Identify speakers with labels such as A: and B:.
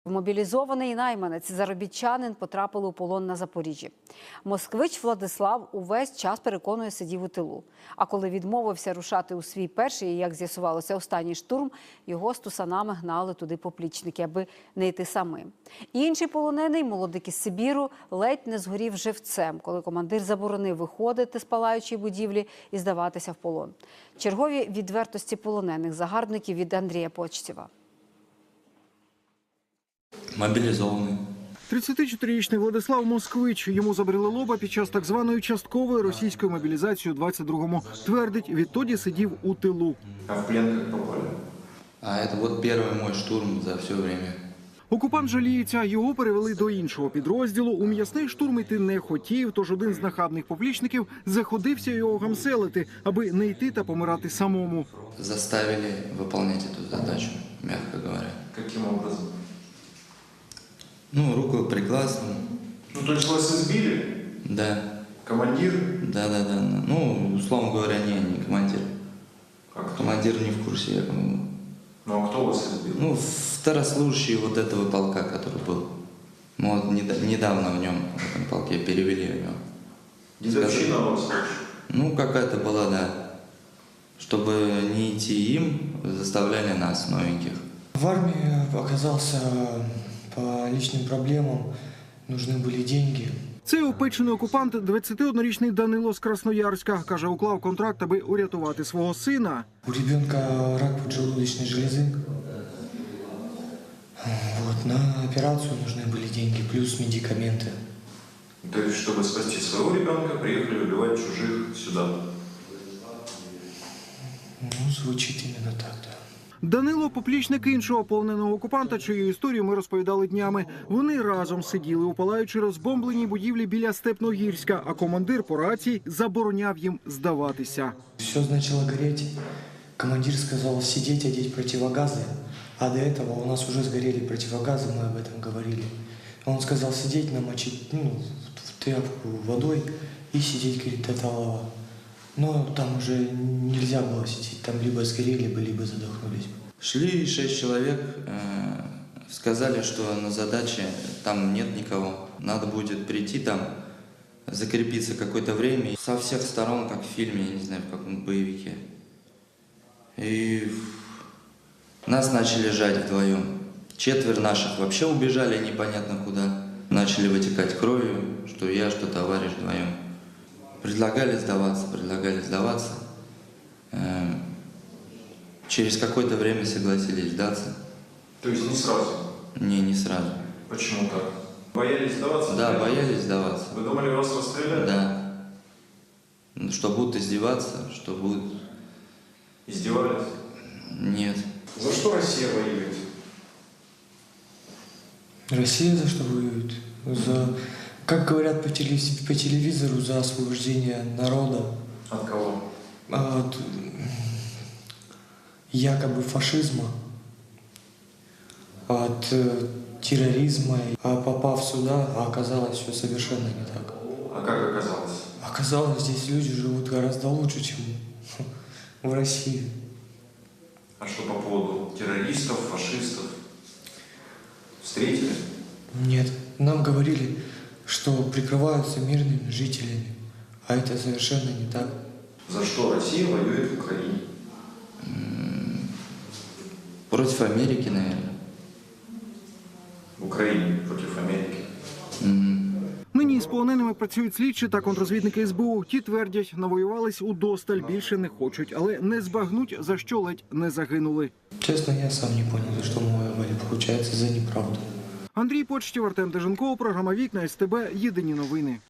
A: Мобілізований найманець, заробітчанин, потрапили у полон на Запоріжжі. Москвич Владислав увесь час, переконує, сидів у тилу. А коли відмовився рушати у свій перший, і, як з'ясувалося, останній штурм, його з тусанами гнали туди поплічники, аби не йти самим. Інший полонений, молодик із Сибіру, ледь не згорів живцем, коли командир заборонив виходити з палаючої будівлі і здаватися в полон. Чергові відвертості полонених загарбників від Андрія Почтєва.
B: Мобілізований.
C: 34-річний Владислав Москвич. Йому забрили лоба під час так званої часткової російської мобілізації у 22-му. Твердить, відтоді сидів у тилу.
B: А в плен як попали? А це от перший мій штурм за все время.
C: Окупант жаліється, його перевели до іншого підрозділу. У м'ясний штурм йти не хотів, тож один з нахабних поплічників заходився його гамселити, аби не йти та помирати самому.
B: Заставили виконувати цю задачу, м'яко говоря.
D: Яким образом?
B: Ну, руку пригласил.
D: Ну, то есть вас избили?
B: Да.
D: Командир?
B: Да. Ну, условно говоря, не командир.
D: А кто?
B: Командир не в курсе, я думаю.
D: Ну, а кто вас избил?
B: Ну, второслужащий вот этого полка, который был. Мы вот недавно в нем, в этом полке, перевели его.
D: Дедовщина у вас?
B: Ну, какая-то была, да. Чтобы не идти им, заставляли нас, новеньких.
E: В армии оказался по личным проблемам, нужны были деньги.
C: Цей опечений окупант, 21-річний Данило з Красноярська. Каже, уклав контракт, аби урятувати свого сина.
E: У ребенка рак поджелудочной железы. Вот, на операцию нужны были деньги, плюс медикаменты.
D: То есть, чтобы спасти своего ребенка, приехали убивать чужих сюда?
E: Ну, звучит именно так, да.
C: Данило – поплічник іншого полоненого окупанта, чию історію ми розповідали днями. Вони разом сиділи у палаючи розбомбленій будівлі біля Степногірська, а командир по рації забороняв їм здаватися.
E: Все начало гореть. Командир сказал сидеть, одеть противогазы. А до этого у нас уже сгорели противогазы, мы об этом говорили. Он сказал сидеть, намочить в тряпку водой и сидеть, говорит, до талого. Но там уже нельзя было сидеть, там либо сгорели бы, либо задохнулись.
B: Шли 6 человек, сказали, что на задаче там нет никого. Надо будет прийти там, закрепиться какое-то время. Со всех сторон, как в фильме, я не знаю, в каком боевике. И нас начали жать вдвоем. 4 наших вообще убежали непонятно куда. Начали вытекать кровью, что я, что товарищ вдвоем. Предлагали сдаваться. Через какое-то время согласились сдаться.
D: То есть не сразу?
B: Не сразу.
D: Почему так? Боялись сдаваться?
B: Да, боялись сдаваться.
D: Вы думали, вас расстреляют?
B: Да. Что будут издеваться, что будут...
D: Издевались?
B: Нет.
D: За что Россия воюет?
E: Россия за что воюет? За, как говорят по телевизору, за освобождение народа.
D: От кого?
E: От якобы фашизма, от терроризма. А попав сюда, оказалось все совершенно не так.
D: А как оказалось?
E: Оказалось, здесь люди живут гораздо лучше, чем в России.
D: А что по поводу террористов, фашистов? Встретили?
E: Нет, нам говорили, что прикрываются мирными жителями, а это совершенно не так.
D: За что Россия воюет в Украине?
B: Против Америки, наверное.
D: В Украине против Америки.
C: Нині із полоненими працюють слідчі та контррозвідники СБУ. Ті твердять, навоювались удосталь, більше не хочуть, але не збагнуть, за що ледь не загинули.
E: Честно, я сам не понял, за что мы воевали. Получается, за неправду.
C: Андрій Почтєв, Артем Деженков, програма «Вікна», СТБ, єдині новини.